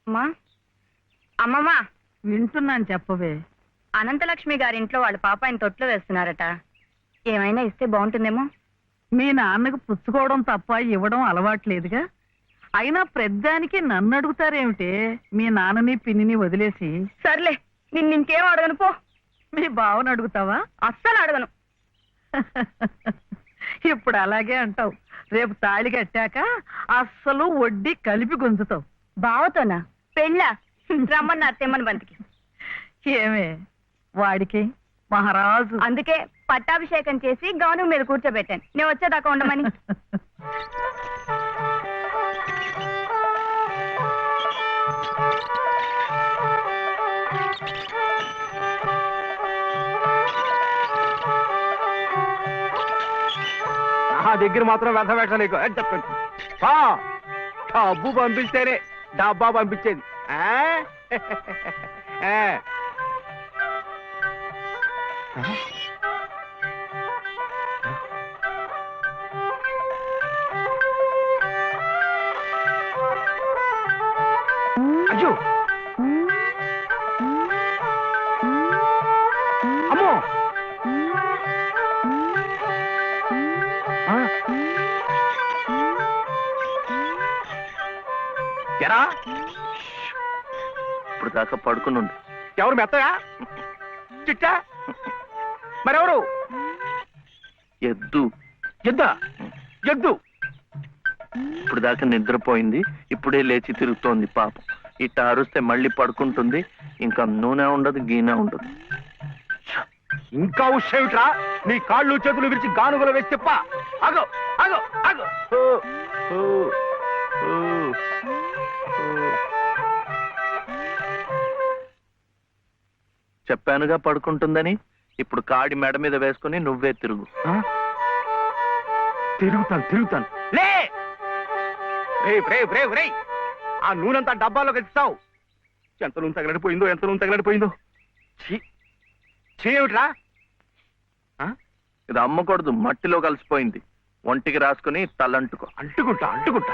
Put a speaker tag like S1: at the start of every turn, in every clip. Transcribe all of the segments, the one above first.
S1: అమ్మా అమ్మమ్మా
S2: వింటున్నాను, చెప్పవే.
S1: అనంతలక్ష్మి గారింట్లో వాళ్ళ పాప ఆయన తొట్లో వేస్తున్నారట. ఏమైనా ఇస్తే బాగుంటుందేమో.
S2: మీ నాన్నకు పుచ్చుకోవడం తప్ప ఇవ్వడం అలవాట్లేదుగా. అయినా ప్రద్దానికి నన్ను అడుగుతారేమిటే? మీ నాన్నని పిన్నిని వదిలేసి.
S1: సర్లే, నిన్నింకేం అడగను పో.
S2: మీ బావను అడుగుతావా?
S1: అస్సలు అడగను.
S2: ఇప్పుడు అలాగే అంటావు. రేపు తాళి కట్టాక అస్సలు వడ్డీ కలిపి గుంజుతావు.
S1: బావతోనా? పెళ్ళా? రమ్మన్నారు తెమ్మని బంతికి.
S2: ఏమే వాడికి మహారాజు.
S1: అందుకే పట్టాభిషేకం చేసి గౌను మీద కూర్చోబెట్టాను, నేను వచ్చేదాకా ఉండమని.
S3: నా దగ్గర మాత్రం వ్యర్థ వేషాలు ఎక్కువ అని చెప్పండి. డబ్బు పంపిస్తేనే డబ్బా పంపించేది. అయ్యో అమ్మో ఎరా
S4: ఇప్పుడు దాకా పడుకుని
S3: ఎవరు మెత్తగా చిట్టా మరెవరు?
S4: ఎద్దు
S3: ఎద్దా? ఎద్దు
S4: ఇప్పుడు దాకా నిద్రపోయింది, ఇప్పుడే లేచి తిరుగుతోంది పాపం. ఇట్ట అరుస్తే మళ్ళీ పడుకుంటుంది, ఇంకా నూనె ఉండదు, గీనె ఉండదు.
S3: ఇంకా ఉషేమిట్రా? నీ కాళ్ళు చేతులు విరిచి గానుగలు వేసి చెప్ప. అగో అగో అగో
S4: చెప్పానుగా పడుకుంటుందని. ఇప్పుడు కాడి మెడ మీద వేసుకుని నువ్వే తిరుగు.
S3: తిరుగుతాను లే. ఆ నూనెంతా డబ్బాలోకి ఎత్తావు. ఎంత నూనె తగలడిపోయిందో. ఏమిట్రా?
S4: ఇది అమ్మకూడదు, మట్టిలో కలిసిపోయింది. ఒంటికి రాసుకుని తలంటుకో.
S3: అంటుకుంటా.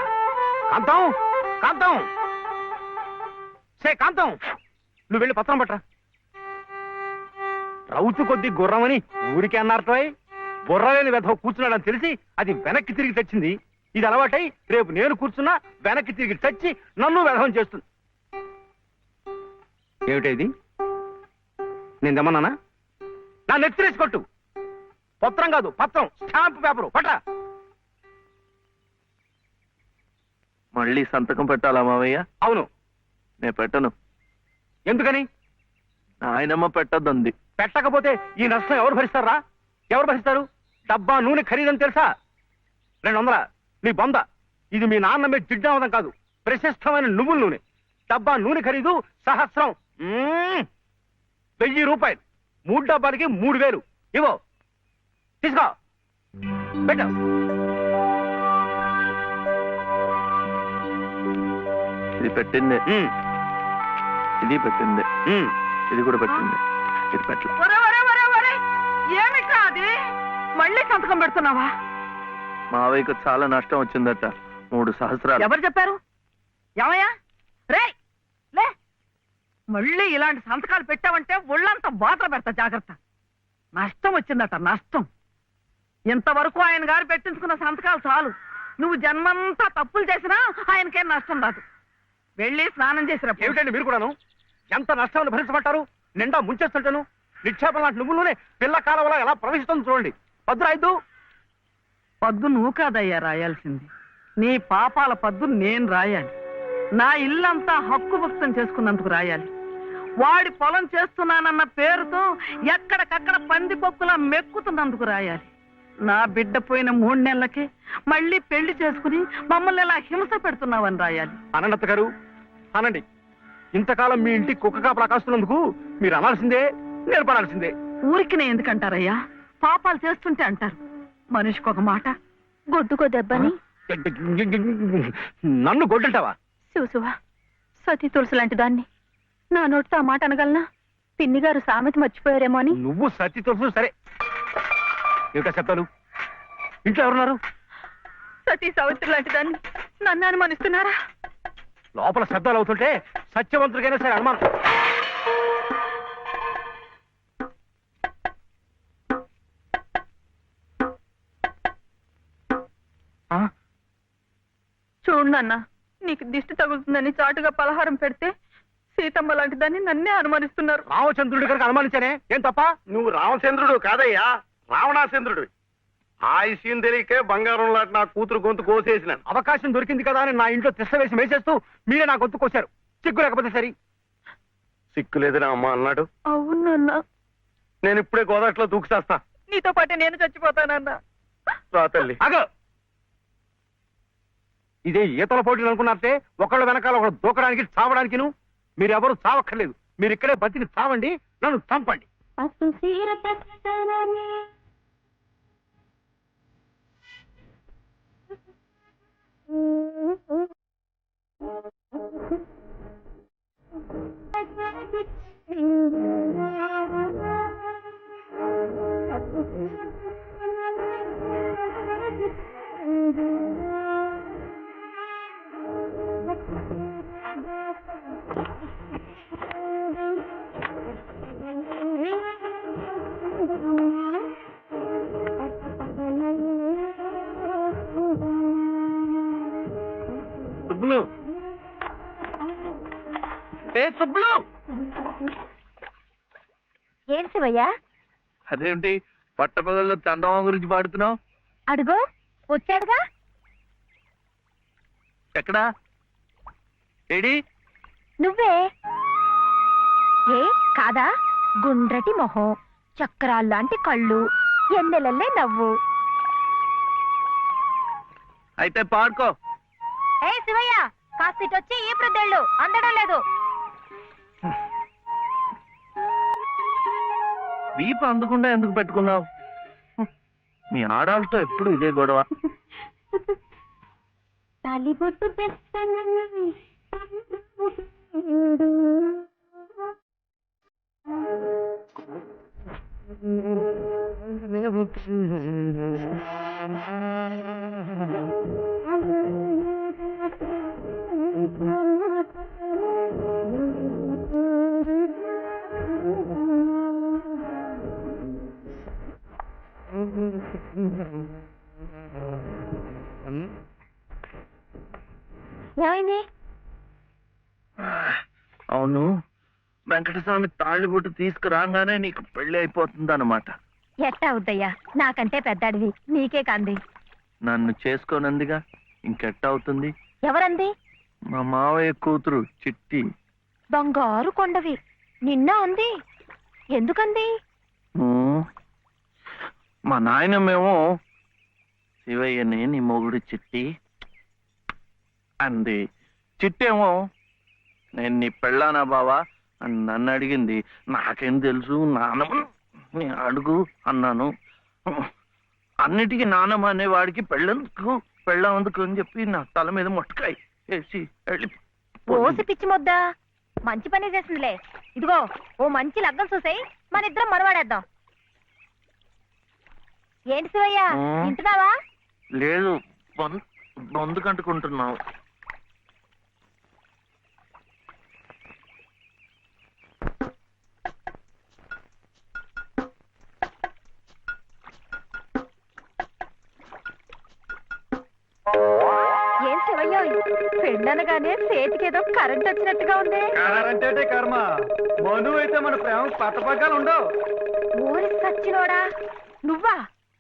S3: కాంతం కాంతం, నువ్వు వెళ్ళి పత్రం పట్రా. రౌతు కొద్ది గుర్రమని ఊరికే అన్నారటోయ్. బుర్రలేని వెధవ కూర్చున్నాడని తెలిసి అది వెనక్కి తిరిగి తెచ్చింది. ఇది అలవాటై రేపు నేను కూర్చున్నా వెనక్కి తిరిగి తెచ్చి నన్ను వెధవం చేస్తుంది. ఏమిటైది? నేను తెమ్మన్నానా? నా నెత్తిరేసి కొట్టు. పత్రం కాదు, పత్రం, స్టాంప్ పేపరు పట్రా.
S4: మళ్ళీ సంతకం పెట్టాలా మావయ్య?
S3: అవును.
S4: నేను పెట్టను.
S3: ఎందుకని?
S4: ఆయనమ్మ పెట్టద్దంది.
S3: పెట్టకపోతే ఈ నష్టం ఎవరు భరిస్తారా? ఎవరు భరిస్తారు? డబ్బా నూనె ఖరీదని తెలుసా? 200. నీ బొంద. ఇది మీ నాన్న మీద జిడ్డావదం కాదు, ప్రశస్తమైన నువ్వుల నూనె. డబ్బా నూనె ఖరీదు 1000. 1000 రూపాయలు. 3 డబ్బాలకి 3000. ఇవో తీసుకో, పెట్టు.
S4: ఇది పెట్టింది, ఇది పెట్టింది, ఇది కూడా పెట్టింది. ఇది పెట్టలే.
S2: ఏమి కాదు, మళ్ళీ సంతకం పెడుతున్నావా?
S4: మావయ్యకు చాలా నష్టం వచ్చిందట, 3 సహస్రాలు.
S2: ఎవరు చెప్పారు? ఏమయ్యా రే లే, మళ్ళీ ఇలాంటి సంతకాలు పెట్టావంటే ఒళ్ళంతా బాధలు పెడతా, జాగ్రత్త. నష్టం వచ్చిందట, నష్టం. ఇంతవరకు ఆయన గారు పెట్టించుకున్న సంతకాలు చాలు. నువ్వు జన్మంతా తప్పులు చేసినా ఆయనకేం నష్టం రాదు. వెళ్ళి స్నానం చేసిరా.
S3: ఏమిటండి మీరు కూడాను? ఎంత నష్టాన్ని భరించమంటారు? నిండా ముంచేస్తుంటాను. నిక్షేపం లాంటి నువ్వులోనే పిల్ల కాలంలో ఎలా ప్రవేశిస్తుంది చూడండి. పద్దు
S2: పద్దు నువ్వు కాదయ్యా రాయాల్సింది. నీ పాపాల పద్దు నేను రాయాలి. నా ఇల్లంతా హక్కు భక్తం చేసుకున్నందుకు రాయాలి. వాడి పొలం చేస్తున్నానన్న పేరుతో ఎక్కడికక్కడ పందిపొక్కులా మెక్కుతున్నందుకు రాయాలి. నా బిడ్డ పోయిన 3 నెలలకే మళ్ళీ పెళ్లి చేసుకుని మమ్మల్ని ఎలా హింస పెడుతున్నావని రాయాలి.
S3: అనంత గారు అనండి. ఇంతకాలం మీ ఇంటి కుక్క కాపలా కాస్తున్నందుకు మీరు అనాల్సిందే, నేర్పడాల్సిందే.
S2: ఊరికి నేను ఎందుకంటారయ్యా? పాపాలు చేస్తుంటే అంటారు. మనిషికి ఒక మాట.
S1: గొడ్డుకో దెబ్బని
S3: నన్ను గొడ్డంటావా?
S1: చూసువా, సతీ తులసి లాంటి దాన్ని నా నోటితో ఆ మాట అనగలనా? పిన్ని గారు సామెత మర్చిపోయారేమో అని.
S3: నువ్వు సతీ తులసి సరే. ఏమిటా శబ్దాలు? ఇంట్లో ఎవరున్నారు?
S1: సతీ సావిత్రి లాంటి దాన్ని నన్ను అనుమానిస్తున్నారా?
S3: లోపల శబ్దాలు అవుతుంటే సత్యవంతుడికైనా సరే అనుమానం.
S1: చూడు నాన్న, నీకు దిష్టి తగులుతుందని చాటుగా పలహారం పెడితే సీతమ్మ లాంటి దాన్ని నన్నే అనుమానిస్తున్నారు.
S3: రామచంద్రుడి కనుక అనుమానించానే ఏం తప్ప?
S5: నువ్వు రామచంద్రుడు కాదయ్యా, రావణాచంద్రుడు. ఆ విషయం తెలియకే బంగారం లాంటి నా కూతురు గొంతు కోసేసినాను.
S3: అవకాశం దొరికింది కదా అని నా ఇంట్లో తిష్ట వేసి మేసేస్తూ మీరే నా గొంతు కోశారు. సిగ్గు లేకపోతే సరి.
S5: సిక్కులేదని అమ్మ అన్నాడు.
S1: అవును నాన్న,
S5: నేను ఇప్పుడే గోదాట్లో దూకుసేస్తా.
S1: నీతో పాటే నేను చచ్చిపోతానన్నా.
S5: రా తల్లి.
S3: అగ ఇదే ఈతల పోటీలు అనుకున్నారే, ఒకళ్ళ వెనకాల ఒకళ్ళు దూకడానికి చావడానికి. మీరెవరు చావక్కర్లేదు, మీరు ఇక్కడే బతికి చావండి, నన్ను చంపండి.
S5: సుబ్బులు,
S3: సుబ్బులు,
S1: ఏం శివయ్యా?
S4: అదేంటి పట్టపగల్లో చందమా గురించి పాడుతున్నావు?
S1: అడుగో వచ్చాడుగా.
S4: ఎక్కడా? ఏడి?
S1: నువ్వే. ఏ కాదా? గుండ్రటి మొహం, చక్రాల్లాంటి కళ్ళు, ఎన్నెలల్లే నవ్వు.
S4: అయితే పాడుకో.
S1: ఏ శివయ్య, కాస్తిటొచ్చి ఈ ప్రద్దెళ్ళు అందడం లేదు.
S4: వీపు అందకుండా ఎందుకు పెట్టుకున్నావు? మీ ఆడాలతో ఎప్పుడు ఇదే గొడవ.
S1: తాలిబొట్టు ఏమైంది?
S4: అవును, వెంకటస్వామి తాళిబొట్టు తీసుకురాగానే నీకు పెళ్లి అయిపోతుంది అన్నమాట.
S1: ఎట్టా అవుద్దయ్యా, నాకంటే పెద్దాడివి, నీకే కంది.
S4: నన్ను చేసుకోనందిగా, ఇంకెట్ట అవుతుంది?
S1: ఎవరంది?
S4: మా మావయ్య కూతురు చిట్టి.
S1: బంగారు కొండవి, నిన్న అంది. ఎందుకంది?
S4: మా నాయనమేమో శివయ్యని నీ మొగుడు చిట్టి అంది. చిట్టేమో నేను నీ పెళ్ళానా బావా అని నన్ను అడిగింది. నాకేం తెలుసు, నానమ్మ అడుగు అన్నాను. అన్నిటికీ నానమ్మ అనేవాడికి పెళ్ళందుకు అని చెప్పి నా తల మీద మొట్టకాయ వేసి వెళ్ళి
S1: ఓసి పిచ్చి మొద్దా, మంచి పని చేసిందిలే. ఇదిగో ఓ మంచి లగ్గం చూసాయి, మన ఇద్దరం మనవాడేద్దాం. ఏంటి శివయ్య, వింటున్నావా?
S4: లేదు, బొందు కంటుకుంటున్నావు.
S1: ఏం శివయ్య, పెళ్ళనగానే చేతికి ఏదో కరెంట్ వచ్చినట్టుగా ఉంది.
S5: అంటే కర్మ, మను అయితే మన ప్రేమ పట్టపగ్గాలు ఉండవు.
S1: ఊరి సచ్చినోడా, నువ్వా?